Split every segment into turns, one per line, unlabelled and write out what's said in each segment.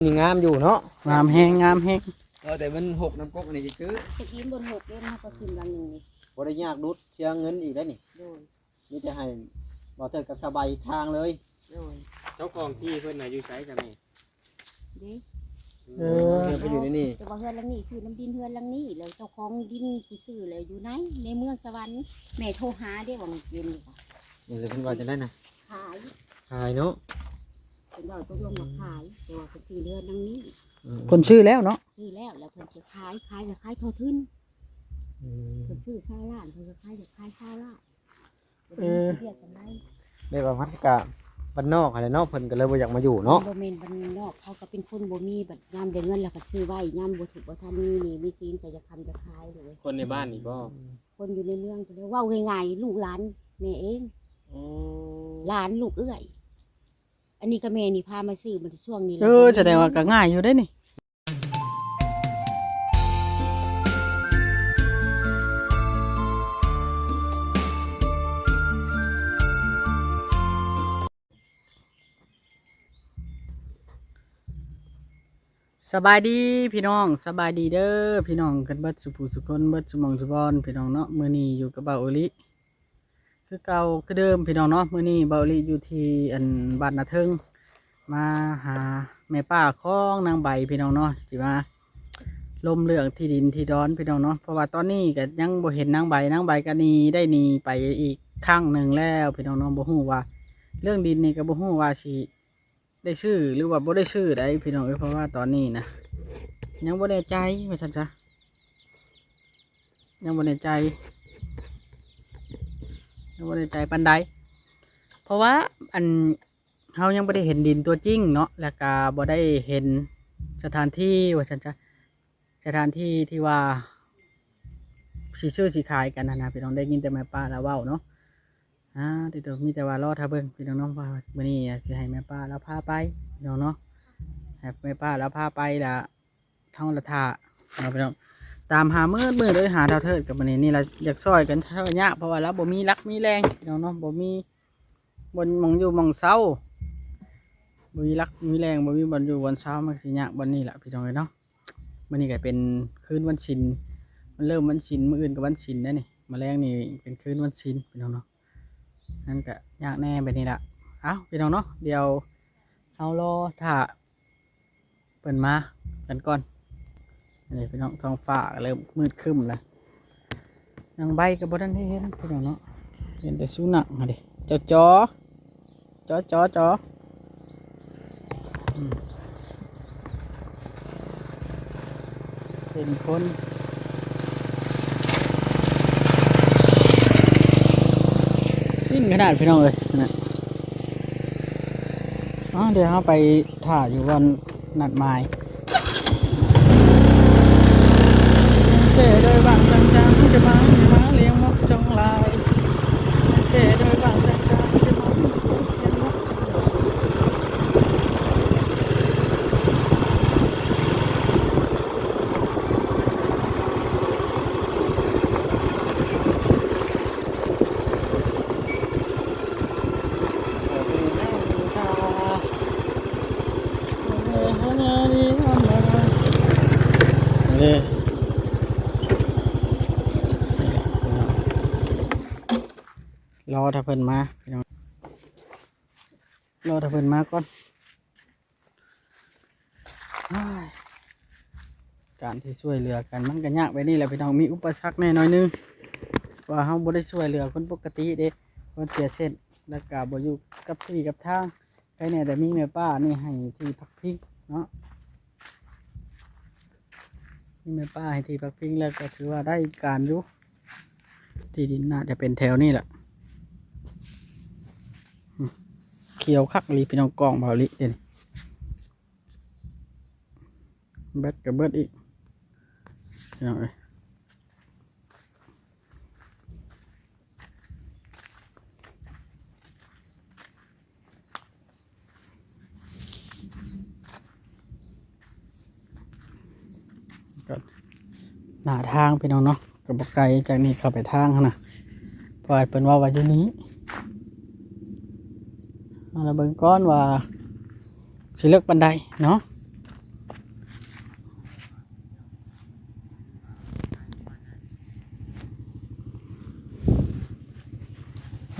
นี่งามอยู่เนาะ
งามแห้งงามแห้ง
แต่มันหกน้ำก๊กนี่คือ
จะกินบนหกเล่มมาก็กินวันหนึ่งนี่
บ่ได้ยากดุดเสียเงินอีกแล้วนี่
โดย
มีแต่ให้บ่เถิดกับสบายทางเลย
โดย
เจ้าของที่เพิ่นน่ะอยู่ไสกันนี่
เด้
เดินไปอยู่ในนี่
แต่ว่าเฮือนหลังนี้คือน้ำดินเฮือนหลังนี้แล้วเจ้าของดินที่ซื้อเลยอยู่ไหนในเมืองสวรรค์แม่โทรหาได้ว่ามันเย็นค่ะ
นี่เลยเพิ่นว่าจะได้น่ะ
ขาย
ขายเนาะ
เป็นว่าตกลงมาขายแต่ว่าเป็นซื้อเรือนหลังนี้
คนชื่อแล้วเนาะ
ซื้อแล้วเพิ่นจะขายจะขายโททึนเพิ่นซื้อข้าวล้านเพิ่นจะขายข้าวล้านเรียกกันได้
ได้ว่ามันก็บ้านนอกอะไรเนาะเพิ่นก็เลยบ่อยากมาอยู่เนาะ
บ่แม่นบ้านนอกเขาก็เป็นคนบ่มีบัดยามได้เงินแล้วก็ซื้อไว้ยามบ่ถูกบ่ทันมีศีลก็จะคำจะขายเลย
คนในบ้านนี่บ่
คนอยู่ในเมืองก็เลยเว้าง่ายๆลูกหลานแม่เองหลานลูกเอื้อยอันนี้ก็แม่นี่พามาซื้อมันช่วงนี้
แสดงว่าก็ง่ายอยู่ได้นี่สบายดีพี่น้องสบายดีเด้อพี่น้องกันเบิดสุภูสุคนเบิดสมองสุบอนพี่น้องเนาะมื้อนี้อยู่กับบ่าวโอลิคือเก่าคือเดิมพี่น้องเนาะมื้อนี้บ่าวโอลิอยู่ที่อันบ้านนาเทิงมาหาแม่ป้าของนางใบพี่น้องเนาะที่มาลมเรื่องที่ดินที่ดอนพี่น้องเนาะเพราะว่าตอนนี้ก็ยังบ่เห็นนางใบก็หนีได้หนีไปอีกครั้งหนึ่งแล้วพี่น้องเนาะบ่ฮู้ว่าเรื่องดินนี่ก็บ่ฮู้ว่าสิได้ชื่อหรือว่าบ่ได้ชื่อได้พี่น้องเพราะว่าตอนนี้นะยังบ่แน่ใจว่าซั่นจ้ะยังบ่แน่ใจปานใดเพราะว่าอันเฮายังบ่ได้เห็นดินตัวจริงเนาะแล้วก็บ่ได้เห็นสถานที่ว่าซั่นจ้ะสถานที่ที่ว่าสิซื้อสิขายกันนะพี่น้องได้ยินแต่แม่ป้าแล้วเว้าเนาะติดตัวมีแต่ว่ารอถ้าเบิ่งพี่น้องเนาะว่ามื้อนี้สิให้แม่ป้าแล้วพาไปพี่น้องเนาะให้แม่ป้าแล้วพาไปละท่องละท่าพี่น้องตามหามืดเลยหาเท่าเทิดกับมื้อนี้นี่ละอยากซอยกันเท่านี้เพราะว่าแล้วบ่มีรักมีแรงพี่น้องเนาะบ่มีบนมองอยู่มองเศร้าบ่มีรักมีแรงบ่มีบนอยู่บนเศร้ามันสิยากบนนี้แหละพี่น้องเนาะมื้อนี้ก็เป็นคืนวันศีลมันเริ่มวันศีลมื้ออื่นก็วันศีลแล้วนี่มื้อแรงนี่เป็นคืนวันศีลพี่น้องเนาะนั่นก็ยากแน่แบบนี้ละพี่น้องเนาะเดี๋ยวเอารอถ้าเปิดมากันก่อนนี่พี่น้องท้องฟ้าเริ่มมืดครึ้มแล้วนางใบกับบ่ทันได้เห็นพี่น้องเนาะเห็นแต่สุนัขมาดิจอเป็นคนยิ่งขนาดพี่น้องเลยนะเดี๋ยวเราไปถ่ายอยู่วันนัดหมายเสียโดยบางจังจะมาเลี้ยงมกจงลายเสียโดยบางจังจะมาเลี้ยงมกรอถ้าเพิ่นมาพี่น้องรอถ้าเพิ่นมาก่อนการที่ช่วยเหลือกันมันก็ยากไปนี่แหละพี่น้องมีอุปสรรคแน่น้อยนึงว่าเฮาบ่ได้ช่วยเหลือคนปกติเด้คนเสียเส้นแล้วก็บ่อยู่กับที่กับทางใครเนี่ยแต่มีแม่ป้านี่ให้ที่พักพิงเนาะมีแม่ป้าให้ที่พักพิงแล้วก็ถือว่าได้การอยู่ที่ดินน่าจะเป็นแถวนี้แหละเขียวคักลีพี่น้องกองเบาลิเด่นแบตกับเบิดอีกพี่น้องเอ้ยก็หน้าทางพี่น้องเนาะกับบอกไกลจากนี้เข้าไปทางนะปล่อยเป็นว่าอยู่นี้เราเบิ่งก้อนว่าสิเลือกบันไดเนาะ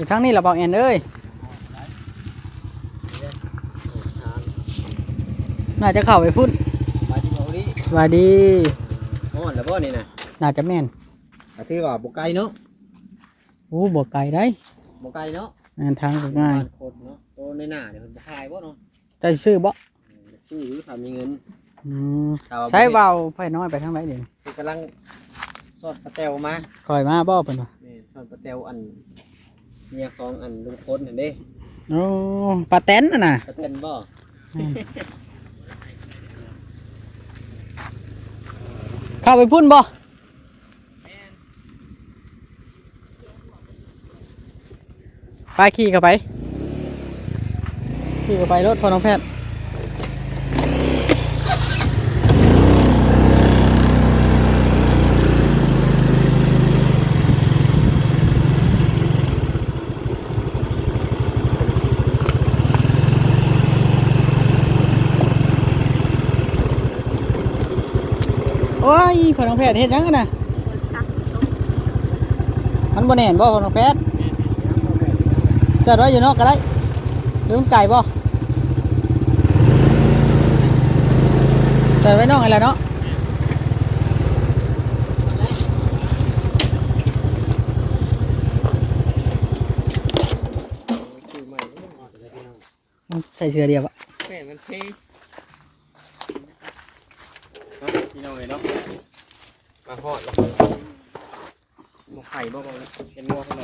อยู่ทางนี้เราบอกแอนเอ้ยน่าจะเข้าไปพุ่น
มาที่บ่นี้
สวัสดี
ฮ้อนแล้วบ่นี่น่ะ
น่าจะแม่น
ก็ถือว่าบ่ไกลเนาะ
โอ้บ่ไกลได้
บ่ไกลเนาะ
ทางก็ง่าย
บ้นโคตรเนาะโตในหน้าเนี่ยมันบ่ขายบ่เนาะ
แต่ซื้อบ่
ชื่ออยู่ถ้ามีเงิน
อืม
ถ้าว่าบ่
ใช้เบาไฟน้อยไปทางไหนเดี๋ยวนี้
คือกำลังสอดปลาแตวมา
คอยมาบ่เพิ่นว่า
แม่สอดปลาแตวอันเมียของอันลุงพลเห็นเด้
โอ้ปลาแตนน่ะน่ะ
ปลาแตนบ่
เข้าไปพุ่นบ่ไปขี่เข้าไปขี่เข้าไปรถพอน้องแพทย์โอ้ยพอน้องแพทย์เฮ็ดหยังกันน่ะมันบ่แน่นบ่พอน้องแพทย์จอดไว้อยู่นอกก็ได้หรือมันไก่บ่จอดไว้นอกอะไรเนาะมันใส่เสื้อเดียวอะ
แม่มันเท่เนาะพี่น้องเอ้ยเนาะมาฮอดแล้วหมกไข่บ่บ่เลยเป็นงัวขนม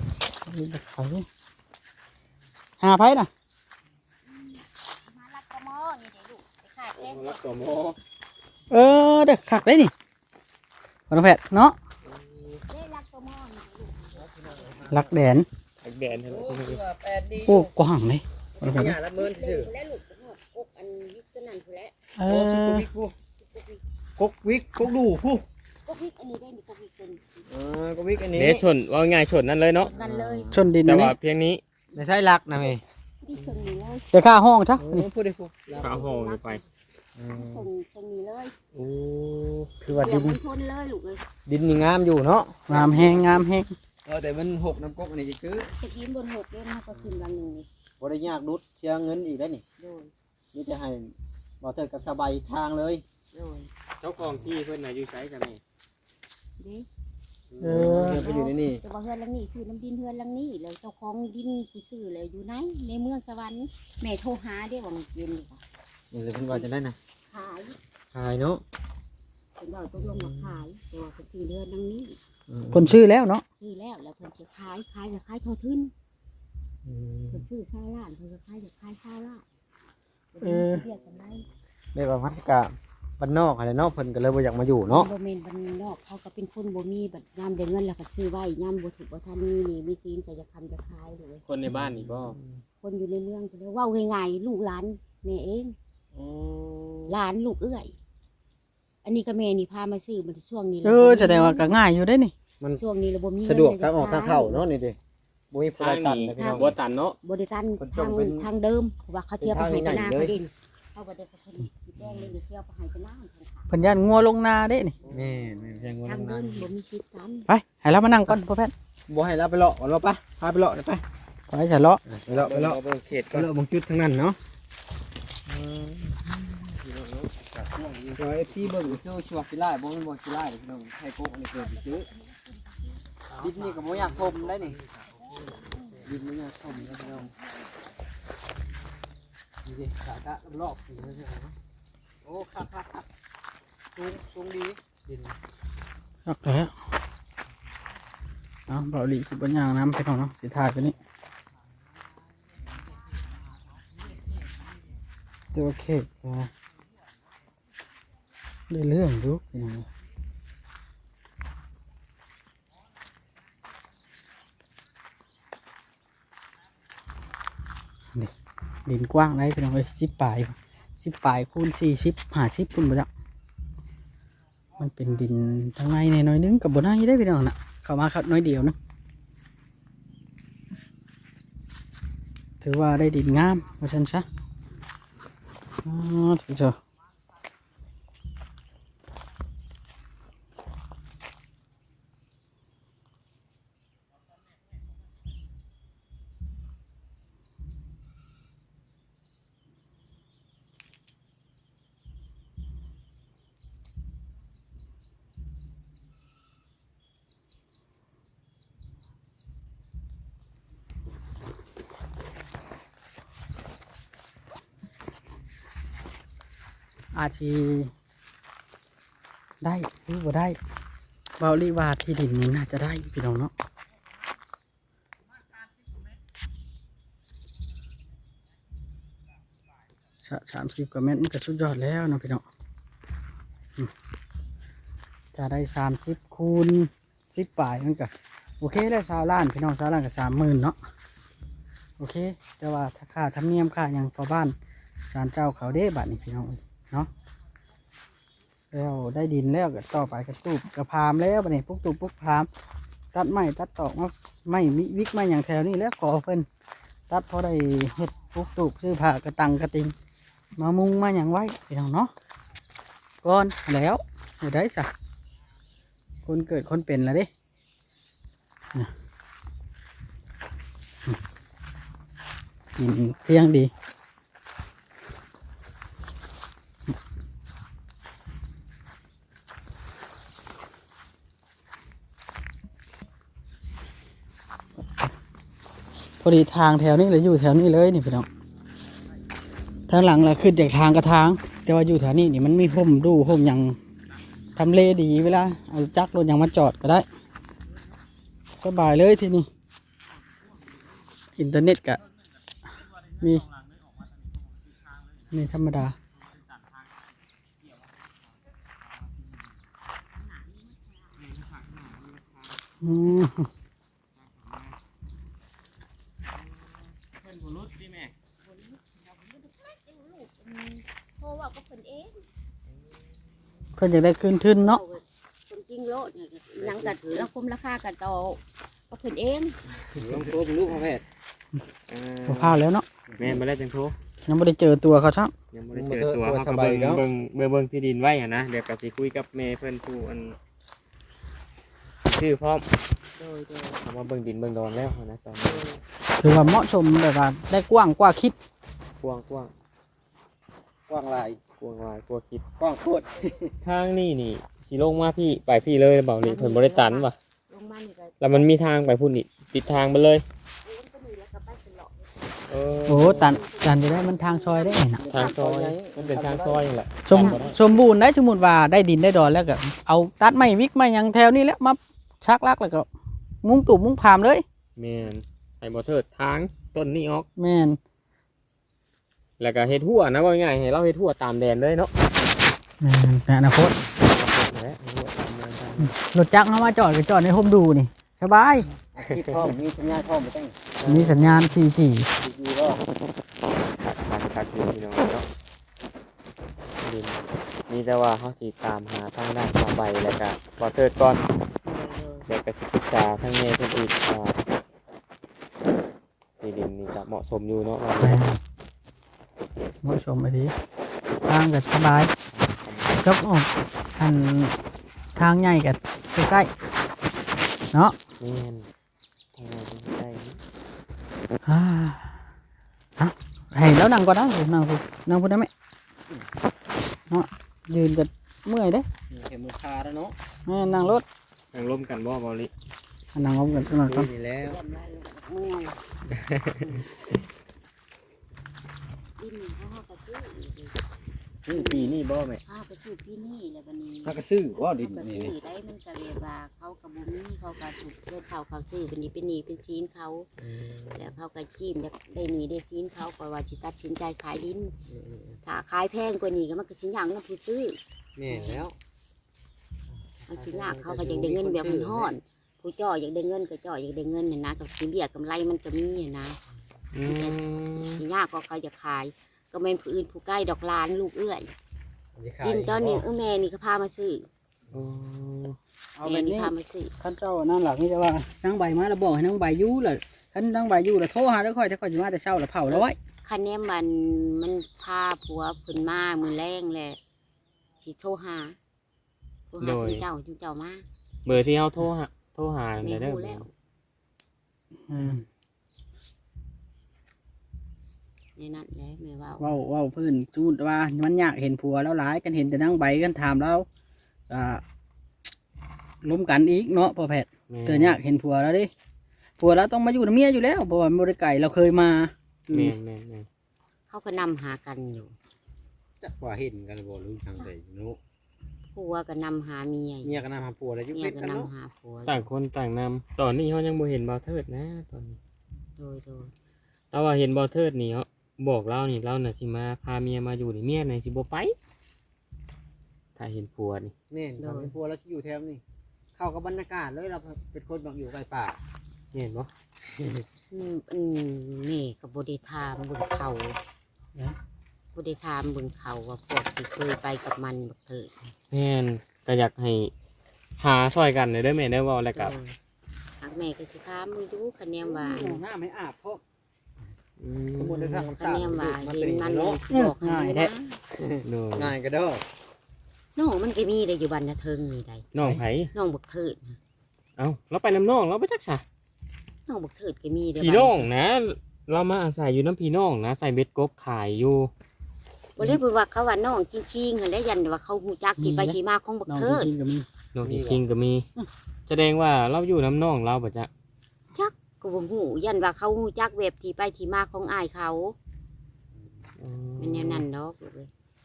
หาไผน่ะ
มาลักกระหม้อนี่เดี๋ยวลูกไปขายแกง
รักตัวโม
เออเด็กขักได้นี่พอน้องแพทย์เนาะ
ได้ลักกระหม้อนี่เดี๋ยวลูก
ลักแดน
ไอ้แบนเห็นไหม
โอ้คือว่าแปดดี
โอ้กว้างเลยพอน้องแพทย์
หญ้าละเมินซื่อ
และลูกก็หอดกกอันยิกตัวนั้นคือแหละ
เอ
โอ้ชิ
อ
กุวิกผู้กกวิกกกดูผู้
กกวิกอันนี้ได้นี่กกวิกตัวนี้
กกวิกอันนี้
เดชนว่าง่ายชนนั่นเลยเนาะ
นั่นเลย
ชนดิน
แต่
อันนี้
ว่าเพียงนี้
ไม่ใช่ลักนะแม่
ที่ส่งนี้เลย
เดี๋ยวค่าห้องจ้ะนี่
พูดได้ผู้
ข้าวห่อไป
ส่งนี้เลย
โอ้
คือว่า
เดี๋
ดิ
ยวน มันทนเลยลูกเลย
ดินนี่งามอยู่เนาะ
งามแห้งงามแห้ง
แต่มันหกน้ำกกอันนี้คือ
จะกินบนหกเล่มมันก็ขึ้นวันหนึ่งนี่
บ่ได้ยากดุดเชียเงินอีกได้นี่
โดย
นี่จะให้บ่เทิดกับสบายทางเลย
โดย
เจ้าของที่เพิ่นน่ะอยู่ไสจ้ะแม่
เด้
เออ
เงินไปอยู่ในนี่
แต่ว่าเฮือนหลังนี้คือน้ำดินเฮือนหลังนี้แล้วเจ้าของดินไปซื้อเลยอยู่ไหนในเมืองสวรรค์แม่โทรหาได้ว่ามันเย็นดีกว่า
นี่เลยเพิ่นว่าจะได้นะ
ขาย
ขายเนาะ
เป็นว่าตกลงมาขายแต่ว่าเป็นซื้อเรือนหลังนี้
คนชื่อแล้วเนาะ
ซื้อแล้วแล้วเพิ่นจะขายจะขายเท่าทุนเพิ่นซื้อข้าวล้านเพิ่นจะขายจะขายข้าวล้านเรียกกันได้
ได้ว่ามันก็บ้านนอกอะไรเนาะเพิ่นก็เลยบ่อยากมาอยู่เนาะ
บ่แม่นบ้านนอกเขาก็เป็นคนบ่มีบัดยามได้เงินแล้วก็ซื้อไว้ยามบ่ถูกบ่ทันมีนี่มีซีนก็จะทำจะขายเลย
คนในบ้านนี่บ่
คนอยู่ในเมืองก็เลยเว้าง่ายๆลูกหลานแม่เอง
โอ้
หลานลูกเอื้อย อันนี้ก็แม่นี่พามาซื้อมันช่วงนี้
เออแสดงว่าก็ง่ายอยู่ได้นี่
ช่วงนี้เราบ่มีเงิน
สะดวกทางออกทางเข้าเนาะนี่ดิบ่มีผู้
ทา
ใด
ง
ตัน
นี้
เลยพี่น้อง
บ่ตันเนาะ
บริการ
คนจ
ทาง
นเป็น
ทางเดิมเพราะว่าเขาเทียบไปให้
เป็น
กัน
ทาง
หน้า
ใหญ่
เขา
เลย
ดินเขาก็ได้เขาคนสีแดงเลยเทียบไปให้กันหน้าทางขา
เพิ่นย่านงัวลงนาเด้นี่
นี่แม่นแพงกว่า
ทาง
นั้น
เดินบ่มีชิดกัน
ไปให้เรามานั่งก่อนพ่อแพทย์
บ่ให้เราไปเลาะก่อนเราปะพาไปเลาะได้ปะ
ไปฉะเลาะ
ไปเลาะไปเลาะ
เบิ่งเขต
ไป
ก่อน
เลาะบางจุดทั้งนั้นเนาะ
พี่น้องเนาะจากช่วงนี้
เดี๋ยว FC เบิ่งซื้อชัวร์กีฬาบ่แม่นบ่กีฬาเด้อพี่น้องไทยโกกอันนี้เกิดสิซื้อดินนี่ก็บ่อยากทมได้นี่ดินบ่อยากทมนะพี่น้องนี่ดิสากะรอบๆนี่นะเนาะโอ้คักๆสูงดีดิน
รักแล้วเอาเบาหลีคือบนยางน้ำไปก่อนเนาะสิถ่ายไปนี่ตัวเค้กนะได้เรื่องดูพี่น้องนี่ดินกว้างได้พี่น้องเลย10 ปลายคูณ40 50พุ่นบ่จักมันเป็นดินทางในในน้อยนึงกับบนในได้พี่น้องน่ะเข้ามาครับน้อยเดียวนะถือว่าได้ดินงามว่าฉันซะอ๋อถือเถอะอาจสิได้หรือบ่ได้เบาลีว่าที่ดินนี้น่าจะได้พี่น้องเนาะ30 กว่าเมตรมันก็สุดยอดแล้วเนาะพี่น้องถ้าได้30 คูณ 10 ปลายมันก็โอเคได้20 ล้านพี่น้อง20 ล้านก็30,000เนาะโอเคแต่ว่าถ้าค่าธรรมเนียมค่าอย่างต่อบ้านศาลเจ้าเขาเด้บัดนี้พี่น้องเนาะแล้วได้ดินแล้วก็ต่อไปก็ตูบกระพามแล้วบัดนี้ปุ๊กตูบปุ๊กพามตัดไม้ตัดตอกมาไม้วิกไม้อย่างแถวนี้แล้วก่อเพิ่นตัดพอได้เฮ็ดปุ๊กตูบซื้อผ้ากระตังกระติงมามุงมาอย่างไว้พี่น้องเนาะก่อนแล้วเดี๋ยวได้จ้ะคนเกิดคนเป็นแล้วดิกินเพียงดีพอดีทางแถวนี้เลยอยู่แถวนี้เลยนี่พี่น้องทางหลังเราขึ้นจากทางกระทางแต่ว่าอยู่แถวนี้นี่มันมีห่มดูห่มอย่างทำเลดีเวลาเอาจักรรถอย่างมาจอดก็ได้สบายเลยที่นี่อินเทอร์เน็ตก็มีธรรมดา
เพราะว่าก็เพิ่นเอง
เพิ่นอยากได้คืนทุนเนาะ
คนจริงโลดนี่ยังกัดแล้วคุมราคากันต่อก็เพิ่นเอง
ลองโทรเป็นลูกพ่อแพทย์
บ่พลาดแล้วเนาะ
แม่นบ่ได้จังโทร
ยังไม่ได้เจอตัวเขาช่าง
ยังบ่ได้เจอตัวเฮาก็เบิ่งที่ดินไว้หั่นนะเดี๋ยวก็สิคุยกับแม่เพิ่นผู้อันชื่อพร้อมเอามาเบิ่งดินเบิ่งดอนแล้วนะตอนนี้
คือว่าเหมาะสมแบบว่าได้กว้างกว่าคิด
กว้าง
กว้างลาย
กว้างหลายกว่าคิด
กว้างโคตร
ทางนี่สิลงมาพี่ไปพี่เลยเบานี่เพิ่นบ่ได้ตันว่ะ
ลงมานี่ก็
แล้วมันมีทางไปพุ่นนี่ติดทางมาเลย
ก็มีแล้วก็ไปตลอด
โอ้ตันจะได้มันทางซอยได้ไงนะ
ทางซอยมันเป็นทางซอยนี่แหละ
สมบูรณ์ได้สมมุติว่าได้ดินได้ดอนแล้วก็เอาตัดไม้วิกไม้หยังแถวนี้แล้วมาชักลักแล้วก็มุ้งตุ่มมุ้งพามเลย
แม่นให้บ่เทิดทางต้นนี้ออก
แม่น
แล้วก็เฮ็ดหัวนะว่าง่ายให้เราเฮ็ดหัวตามแดนเลยเนาะ
แม่นในอนาคต
นั่นแหละหัวตามแดน
รถจักรเข้ามาจอดก็จอดในโฮมดูนี่สบาย
ที่พ่อมีสัญญาณพ่อไม่ต้อง
มีสัญญาณ 4G
ดีก็
ตัดดินพี่น้องเนาะดินมีแต่ว่าเฮาสิตามหาทางด้านต่อไปแล้วก็บ่เทิดก่อนเดี๋ยวก็สิปรึกษาทางแม่เพิ่นอีกว่าที่ดินนี่ก็เหมาะสมอยู่เนาะว่า
แม่นเหมาะสมไปดีทางก็สบายจบออกอันทางใหญ่ก็ใกล้ๆเนาะ
แม่นทางไหนเป็นใกล้
ให้แล้วนั่งก่อนนะนั่งพูดได้ไหมเนาะยืนก็เมื่อยเด้
เข็มมือคาแล้วเนาะ
นั่งรถ
นั่งร่วมกันบ่เบาลิ
นั่งล้มกันสักหน่อยก่อน
นี่แล้ว
ดินเขาก็ซื้อ
นี่ปีนี้บ่แม่
ข้าวไปซื้อที่นี่แล้ววันนี้
ถ้ากระซื้อว่าดิน
ก็
นี่
ซื้อได้มันก็เลยว่าเขากระบุมีเขาก็ถูกเพื่อเขาซื้อวันนี้เป็นหนี้เป็นซีนเขาแล้วเขาก็ชีมได้หนีได้ซีนเขาก็ว่าจิตัดสินใจขายดินถ้าขายแพงกว่านี้ก็มันก็สินอย่างนั้นผู้ซื้อ
แม่แล้ว
มันสิยากเขาก็อยากได้เงินแบบมันห่อน ผู้จ่ออยากได้เงินก็จ่ออยากได้เงินเนี่ยนะกับสิเรียกกำไรมันก็มีเนี่ยนะสิยากก็เขาจะขายก็เป็นผู้อื่นผู้ใกล้ดอกลานลูกเอื้อยดินตอนนี้แม่นี่ก็พามาซื้อ
เอา
แม่
แบบ
นี่
นี้
พามาซื้อ
ขั้นเจ้านั่นหลักนี่จะว่านั่งใบมาแล้วบอกให้นั่งใบยู่เลยขั้นนั่งใบยู่แล้วโทรหาแล้วค่อยถ้าค่อยจะมาแต่เช้าแล้วเผาแล้วไว้
คันนี้มันพาผัวขึ้นมามือแรงแหละสิโทรหาคุณเจ้ามา
เบอร์ที่เฮาโทรหา
ไม่
เด้อ
รู้แล้วในนั้นแหละแม่ว่า
ว้าวเพื่อนสูดว่ามันยากเห็นผัวแล้วหลายกันเห็นแต่นั่งใบกันถามแล้วล้มกันอีกเนาะพ่อแพทย์เกิดยากเห็นผัวแล้วดิผัวแล้วต้องมาอยู่กับเมียอยู่แล้วเพราะว่าบริไก่เราเคยมา
แม่น
เขาก็นำหากันอยู่
จักว่าเห็นกันบ่รู้ทางใดเนาะ
ผัวก็นำหาเมีย
เมียก็นำหาผัวแล้วอยู่
เมี
เป็
ย
ด
ก็
กัน
นำ
เนาะ
หาผัว
ต่างคนต่างนำตอนนี้เขายังบ่เห็นบ่าวเทิดนะตอนนี้
โดย
แต่ว่าเห็นบ่าวเทิดนี่เขาบอกเรานี่เราน่ะสิมาพาเมียมาอยู่นี่เมียน่ะสิบ่ไปถ้าเห็นผัวนี่
แม่นทำให้ผัวแล้วอยู่แถวนี้เข้ากับบรรยากาศเลยเราเป็นคนแบบอยู่ใกล้ป่า
เห็นบ่
นี่ก็บ่ได้ถามเบิ่งเขาบ่ได้ถามเบิ่งเขาว่าพวกที่เคยไปกับมันบักเถิด
แม่นก็อยากให้หาช่วยกันเด้อแม่เด้อเว้าแล้วก็
หากแม่ก็สิถามมึงดูคะแนนว่า
หน้าไม่อาบเพราะ
อื
สมมุติได้ทาง
คะแนนว่า
มัน
เห็
เป็น
นมัน
เนาะ
บอกให้ดูนะ
โดย
ง่ายก็เด้อ
น้องมันก็มีได้อยู่บ้านนาเทิงนี่ได้
น้องไผ
น้องบักเถิดนะ
เอ้าเราไปน้ำน้องเราไปจักซะ
น้องบักเถิดก็มีได้
พี่น้องนะ เรามาอาศัยอยู่น้ำพี่น้องนะใส่เบ็ดกบขายอยู่
บ่ได้พูดว่าเขาว่าน้องจริงๆหั่นแหละยันว่าเขาฮู้จักที่ไปที่มาของบัก
น้อง
เถิด
จริงๆก็มี
น้องคิงก็มี แสดงว่าเราอยู่น้ำน้องเราปะจ๊ะ
ก็บ่ฮู้ยันว่าเขาฮู้จักเว็บที่ไปที่มาของอ้ายเขามันแนวนั้นดอกลูกเอ้ย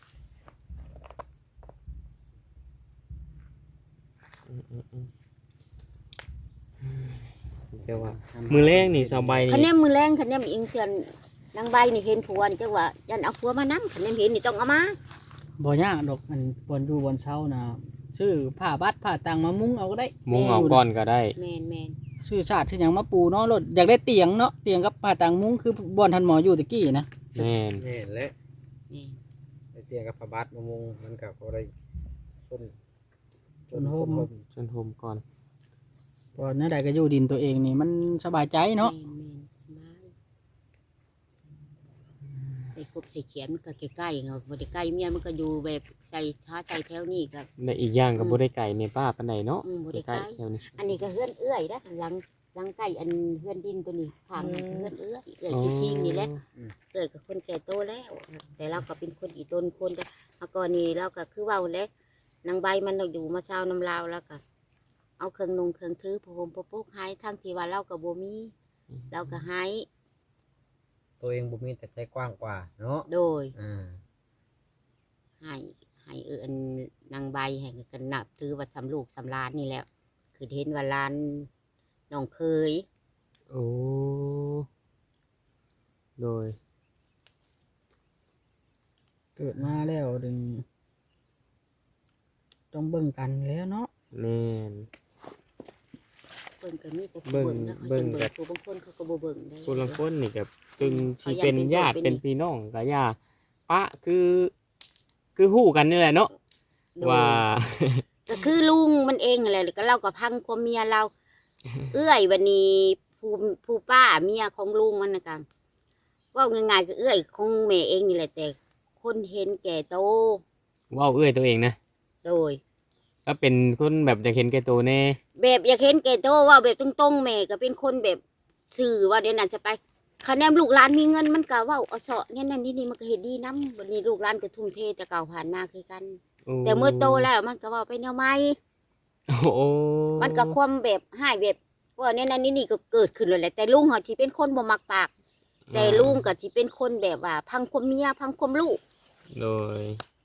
เดี๋ยวว่ามือแรกนี่สาวใบ
คะแน
นี่
นมือแรงคะแนนอิงเตือนนางใบนี่เห็นผัวนี่จังว่ายันเอาผัวมานำคะแนนเห็นนี่ต้องเอามา
บ่ยากดอกมันบอนอยู่บอนเช้านะซื้อผ้าบัดผ้าตังมามุ้งเอาก็ได้
มุงเอาก่อนก็ได้
แม่น
ซื้อชาติที่หยังมาปูเนาะรถอยากได้เตียงเนาะเตียงกับผ้าตังมุ้งคือบอนทันหมออยู่ตะกี้นะ
แม่น
นี่แหละ
แม่น
ไอ้เตียงกับพระบาทมะม่วงมันก็บ่ได้ส้น
จนโฮม
จนโฮมก่อน
บอนนั่นใดก็อยู่ดินตัวเองนี่มันสบายใจเนาะ
แม่นใส่กบใส่เขียนมันก็ใกล้ๆเนาะบ่ได้ใกล้เมียมันก็อยู่แบบใจท้าใจแถวนี้ก็
และอีกอย่างก็บ่ได้ไก่แม่ป้าปานใดเนาะ
บ่ได้
ใก
ใก
ล้
ล้
ๆแถวนี้
อันนี้ก็เฮือนเอื้อยนะหลังใกล้อันเฮือนดินตัวนี้ข้างนั้นเฮือนเอื้อยชิงๆนี่แหละเกิดกับคนแก่โตแล้ว แต่เราก็เป็นคนอีตนคนแต่เมื่อก่อนนี้เราก็คือเว้าแล้วนางใบมันเราอยู่มาเช้าน้ำลาวแล้วก็เอาเครื่องนุ่งเครื่องถือผ้าห่มผ้าปุกให้ทั้งที่ว่าเราก็บ่มีเราก็ให้
ตัวเองบ่มีแต่ใจกว้างกว่าเนาะ
โดย
อ่า
ให้อันนางใบให้กันนับถือว่าสำลูกสำลานนี่แหละคือเห็นว่าลานน้องเคย
โอ้โดย
เกิดมาแล้วดึงต้องเบิ่งกันแล้วเนาะ
แม่น
เบิ่งก็มีแต่ผู้
เบิ่ง
นะ
เบิ่ง
เบิ่
แบ
งผู้บางคนเขาก็บ่เบิ่งได้
คนละคนนี่ก็จึงสิ
เขายัง
เป็น
เป็น
ญาติ
เป็น
เป็นพี่น้องก็ย่าปะคือฮู้กันนี่แหละเนาะ
โดย
ว่า
ก็คือลุงมันเองนั่นแหละก็เราก็พังความเมียเรา เอื้อยวันนี้ผู้ป้าเมียของลุงมันนะกันว่าง่ายๆก็เอื้อยของแม่เองนี่แหละแต่คนเห็นแก่โต
เว้าเอื้อยตัวเองนะ
โดย
ก็เป็นคนแบบอยากเห็นแก่ตัวแน่
แบบอยากเห็นแก่โตว่าแบบตรงๆแม่ก็เป็นคนแบบสื่อว่าเดี๋ยวนั้นจะไปคะแนนลูกหลานมีเงินมันก็เว่าเอาเสาะเนี่ยนั่นนี่มันก็เห็นดีน้ำวันนี้ลูกหลานก็ทุ่มเทแต่เก่าผ่านมาคือกัน
โอ้
แต่เมื่อโตแล้วมันก็เว่าไปแนวใหม่
โอ้โห
มันก็ความแบบให้แบบว่าเนี่ยนั่นนี่ก็เกิดขึ้นเลยแหละแต่ลุงเขาที่เป็นคนบ่มักปาก แต่ลุงก็ที่เป็นคนแบบว่า พังความเมียพังความลูก
โดย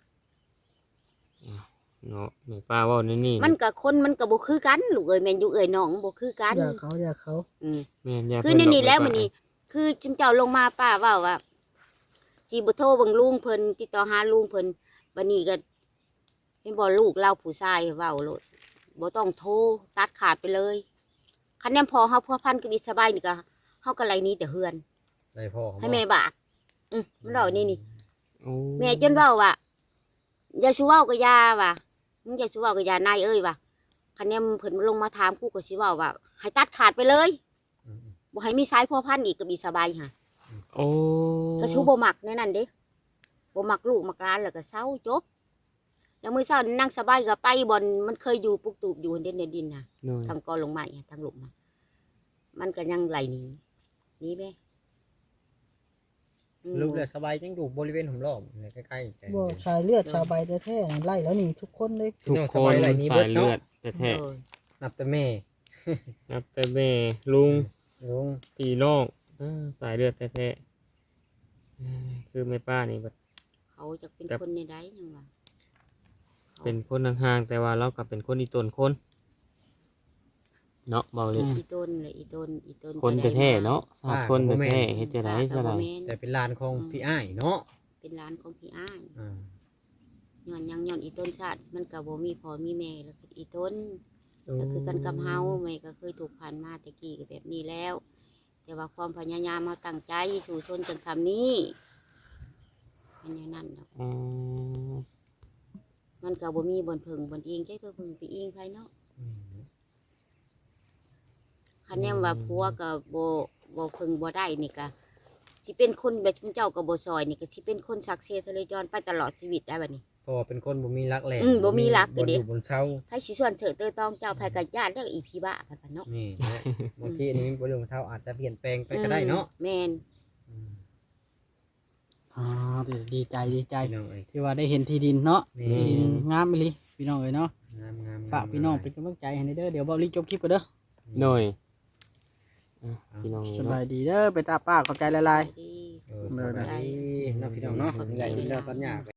เนาะแม่ป้าเว่านี่นี่
มันกับคนมันก็บ่คือกันลูกเอ้ยแม่นอยู่เอ้ยน้องบ่คือกัน
อย่าเขา
อืม
แม่นย่า
คือ
เพิ่
นี่
ดก
แล้ว
ม่
มันนี่คือจุมเจ้าลงมาป้าเว่าว่าสิบ่โทรเบิ่งลุงเพิ่นติดต่อหาลุงเพิ่นบัดนี้ก็เห็นบ่ลูกเราผู้ชายเว้าโลดบ่ต้องโทรตัดขาดไปเลยคันแนมพอเฮาพัวพันกับอิสบายนี่ก็เฮาก็ไล่หนี้แต่เฮือน
ได้พ่อเขา
ให้แม่บาดมันเล่านี่
โอ้
แม่จนเว้าว่าอย่าสิเว้ากับยาว่ะมึงอย่าสิเว้ากับยานายเอ้ยว่ะคันแนมเพิ่นลงมาถามกูก็สิเว้าว่าให้ตัดขาดไปเลย
อืม
บ่ให้มีสายพัวพันอีกกับอิสบายค่ะ
โอ้
ก็ชูบ่มักในนั้นเด้บ่มักลูกมักหลานแล้วก็เศร้าจบแล้วมื้อเช้านี่นั่งสบายก็ไปบ่อนมันเคยอยู่ปุกตูบอยู่เด่นในดินน่ะ
โดย
ทางกอลงมาทางหลุมมามันก็ยังไหลหนี้แม่
ลูกเลยสบายยังอยู่บริเวณหุ่มล้อมเนี่ยใกล้ๆกัน
บ่ชายเลือดชาวใบแท้ๆไล่แล้วนี่ทุกคนเลย
ทุก
น้อง
ค
สบาน ยไหลนี้เบิ
สา
ด
ย
เนาะ
เลือดแท้
เออ
นับแต่แม่
ๆนับแต่แม่ลุง
ลุง
พี่น้องสายเลือดแท้ๆคือแม่ป้านี่แบบ
เขาเขาจะเป็นคนในใดยังว่า
เป็นคนห่างๆแต่ว่าเราก็เป็นคนอีตนคนเนาะเบาเลย
อีต้นเลยอีต้น
คนแท้ๆเนาะสาคนแท้ๆเฮ็ดจะได้ซะได้
แต่เป็นลานของพี่อ้ายเนาะ
เป็นร้านของพี่อ้าย
อ่า
ย้อนยังย้อนอีต้นชาติมันก็บ่มีพ่อมีแม่แล้วก็อีต้นก็คือกันกับเฮาแม่ก็เคยถูกผ่านมาแต่กี้ก็แบบนี้แล้ว แต่ว่าความพยายามมาตั้งใจสู่ชนจนทำนี้มันอย่างนั้นดอก
อืม
มันก็บ่มีบนเพิงบนอิงใช่เพื่อพึงไปอิงภายเนาะคันแนมว่าผัวก็บ่พึงบ่ได้นี่ก็สิเป็นคนแบบเจ้าก็บ่ซอยนี่ก็สิเป็นคนสักเซทะเลจรไปตลอดชีวิตได้บัดนี้
เพราะว่าเป็นคนบ่มีรักแหล่
บ่มีรัก
บ่
เด้
อยู่บนเช้า
ไผสิส่วนเถิดเตยตองเจ้าไผก็ญาติเด้ออีพี่บ้าพันเนาะ
นี่แหละบางทีอันนี้บ่อยู่บนเช้าอาจจะเปลี่ยนแปลงไปก็ได้เนาะ
แม่น
ดีใจพี่น้องเอ้ยที่ว่าได้เห็นที่ดินเนาะที่ดินงามอีหลีพี่น้องเอ้ยเนาะ
งามๆ
ฝากพี่น้องเป็นกำลังใจให้เด้อเดี๋ยวเบาลีจบคลิปกันเด้อ
หน่อยพี่น้อง
ส
เนาะ
บายดีเด้อไปตาป้าขอบใจหลาย
ดี
ๆเด้อนะพี่น้องเนาะใหญ่เด้อตอนหยา